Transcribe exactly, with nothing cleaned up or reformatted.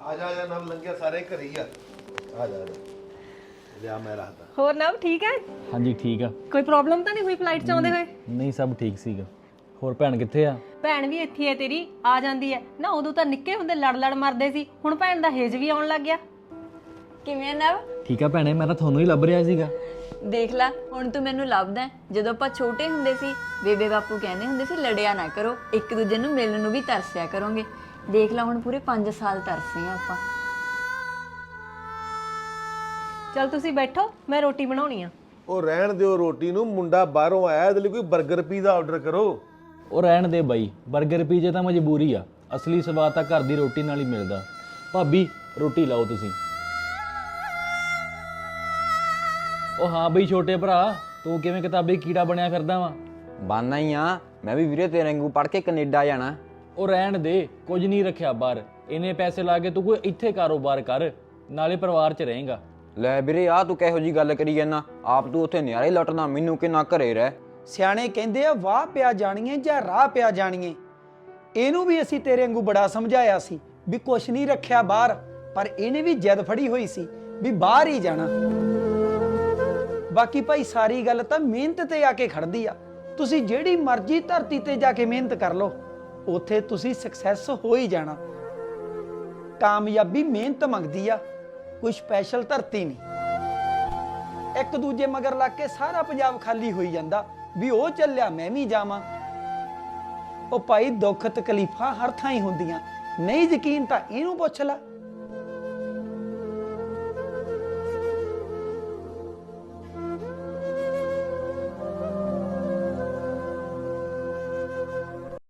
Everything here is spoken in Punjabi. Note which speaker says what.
Speaker 1: ਆ ਜਾ ਆ ਜਾ ਨਵ ਲੰਘਿਆ ਸਾਰੇ ਘਰੇ ਹੀ ਆ ਆ ਜਾ ਲਿਆ ਮੈਂ ਰੱਖਦਾ।
Speaker 2: ਹੋਰ ਨਵ ਠੀਕ ਹੈ?
Speaker 3: ਹਾਂਜੀ ਠੀਕ ਆ।
Speaker 2: ਕੋਈ ਪ੍ਰੋਬਲਮ ਤਾਂ ਨਹੀਂ ਹੋਈ ਫਲਾਈਟ 'ਚ ਆਉਂਦੇ ਹੋਏ?
Speaker 3: ਨਹੀਂ ਸਭ ਠੀਕ ਸੀਗਾ। ਹੋਰ ਭੈਣ ਕਿੱਥੇ ਆ?
Speaker 2: ਭੈਣ ਵੀ ਇੱਥੇ ਹੈ ਤੇਰੀ, ਆ ਜਾਂਦੀ ਹੈ ਨਾ। ਉਦੋਂ ਤਾਂ ਨਿੱਕੇ ਹੁੰਦੇ ਲੜ ਲੜ ਮਰਦੇ ਸੀ, ਹੁਣ ਭੈਣ ਦਾ ਹੇਜ ਵੀ ਆਉਣ ਲੱਗ ਗਿਆ।
Speaker 4: ਕਿਵੇਂ ਨਵ?
Speaker 3: ਠੀਕ ਆ ਭੈਣੇ, ਮੈਂ ਤਾਂ ਤੁਹਾਨੂੰ ਹੀ ਲੱਭ ਰਿਹਾ ਸੀਗਾ।
Speaker 4: ਦੇਖ ਲੈ ਹੁਣ ਤੂੰ ਮੈਨੂੰ ਲੱਭਦਾ ਹੈ। ਜਦੋਂ ਆਪਾਂ ਛੋਟੇ ਹੁੰਦੇ ਸੀ ਬੇਬੇ ਬਾਪੂ ਕਹਿੰਦੇ ਹੁੰਦੇ ਸੀ ਲੜਿਆ ਨਾ ਕਰੋ, ਇੱਕ ਦੂਜੇ ਨੂੰ ਮਿਲਣ ਨੂੰ ਵੀ ਤਰਸਿਆ ਕਰੋਗੇ। ਦੇਖ ਲੈ ਹੁਣ ਪੂਰੇ ਪੰਜ ਸਾਲ ਤਰਸੇ ਆ ਆਪਾਂ।
Speaker 2: ਚਲ ਤੁਸੀਂ ਬੈਠੋ, ਮੈਂ ਰੋਟੀ ਬਣਾਉਣੀ ਆ।
Speaker 1: ਉਹ ਰਹਿਣ ਦਿਓ ਰੋਟੀ ਨੂੰ, ਮੁੰਡਾ ਬਾਹਰੋਂ ਆਇਆ, ਇਹਦੇ ਲਈ ਕੋਈ 버ਗਰ ਪੀਜ਼ਾ ਆਰਡਰ ਕਰੋ।
Speaker 3: ਉਹ ਰਹਿਣ ਦੇ ਬਾਈ, 버ਗਰ ਪੀਜੇ ਤਾਂ ਮਜਬੂਰੀ ਆ, ਅਸਲੀ ਸਵਾਦ ਤਾਂ ਘਰ ਦੀ ਰੋਟੀ ਨਾਲ ਹੀ ਮਿਲਦਾ। ਭਾਬੀ ਰੋਟੀ ਲਾਓ ਤੁਸੀਂ। ਉਹ ਹਾਂ ਬਈ ਛੋਟੇ ਭਰਾ, ਤੂੰ ਕਿਵੇਂ ਕਿਤਾਬੀ ਕੀੜਾ ਬਣਿਆ ਫਿਰਦਾ ਵਾ?
Speaker 5: ਬਾਨਾ ਹੀ ਆ ਮੈਂ ਵੀ ਵੀਰੇ, ਤੇਰੇ ਵਾਂਗੂ ਪੜ ਕੇ ਕੈਨੇਡਾ ਜਾਣਾ।
Speaker 3: ਉਹ ਰਹਿਣ ਦੇ, ਕੁਝ ਨਹੀਂ ਰੱਖਿਆ ਬਾਹਰ। ਇੰਨੇ ਪੈਸੇ ਲਾ ਕੇ ਤੂੰ ਕੋਈ ਇੱਥੇ ਕਾਰੋਬਾਰ ਕਰ, ਨਾਲੇ ਪਰਿਵਾਰ 'ਚ ਰਹੇਗਾ।
Speaker 5: ਲੈ ਵੀਰੇ ਆ ਤੂੰ ਕਿਹੋ ਜੀ ਗੱਲ ਕਰੀ ਜਾਂਦਾ, ਆਪ ਤੂੰ ਉੱਥੇ ਨਿਆਰੇ ਲੁੱਟਣਾ, ਮੈਨੂੰ ਕਿੰਨਾ ਘਰੇ ਰਹਿ।
Speaker 6: ਸਿਆਣੇ ਕਹਿੰਦੇ ਆ ਵਾਹ ਪਿਆ ਜਾਣੀਏ ਜਾਂ ਰਾਹ ਪਿਆ ਜਾਣੀਏ। ਇਹਨੂੰ ਵੀ ਅਸੀਂ ਤੇਰੇ ਵਾਂਗੂ ਬੜਾ ਸਮਝਾਇਆ ਸੀ ਵੀ ਕੁਛ ਨਹੀਂ ਰੱਖਿਆ ਬਾਹਰ, ਪਰ ਇਹਨੇ ਵੀ ਜਿੱਦ ਫੜੀ ਹੋਈ ਸੀ ਵੀ ਬਾਹਰ ਹੀ ਜਾਣਾ। ਬਾਕੀ ਭਾਈ ਸਾਰੀ ਗੱਲ ਤਾਂ ਮਿਹਨਤ ਤੇ ਆ ਕੇ ਖੜਦੀ ਆ। ਤੁਸੀਂ ਜਿਹੜੀ ਮਰਜ਼ੀ ਧਰਤੀ ਤੇ ਜਾ ਕੇ ਮਿਹਨਤ ਕਰ ਲਓ, ਉੱਥੇ ਤੁਸੀਂ ਸਕਸੈਸ ਹੋ ਹੀ ਜਾਣਾ। ਕਾਮਯਾਬੀ ਮਿਹਨਤ ਮੰਗਦੀ ਆ, ਕੋਈ ਸਪੈਸ਼ਲ ਧਰਤੀ ਨਹੀਂ। ਇੱਕ ਦੂਜੇ ਮਗਰ ਲੱਗ ਕੇ ਸਾਰਾ ਪੰਜਾਬ ਖਾਲੀ ਹੋਈ ਜਾਂਦਾ ਵੀ ਉਹ ਚੱਲਿਆ ਮੈਂ ਵੀ ਜਾਵਾਂ। ਉਹ ਭਾਈ ਦੁੱਖ ਤਕਲੀਫਾਂ ਹਰ ਥਾਂ ਹੀ ਹੁੰਦੀਆਂ, ਨਹੀਂ ਯਕੀਨ ਤਾਂ ਇਹਨੂੰ ਪੁੱਛ ਲੈ।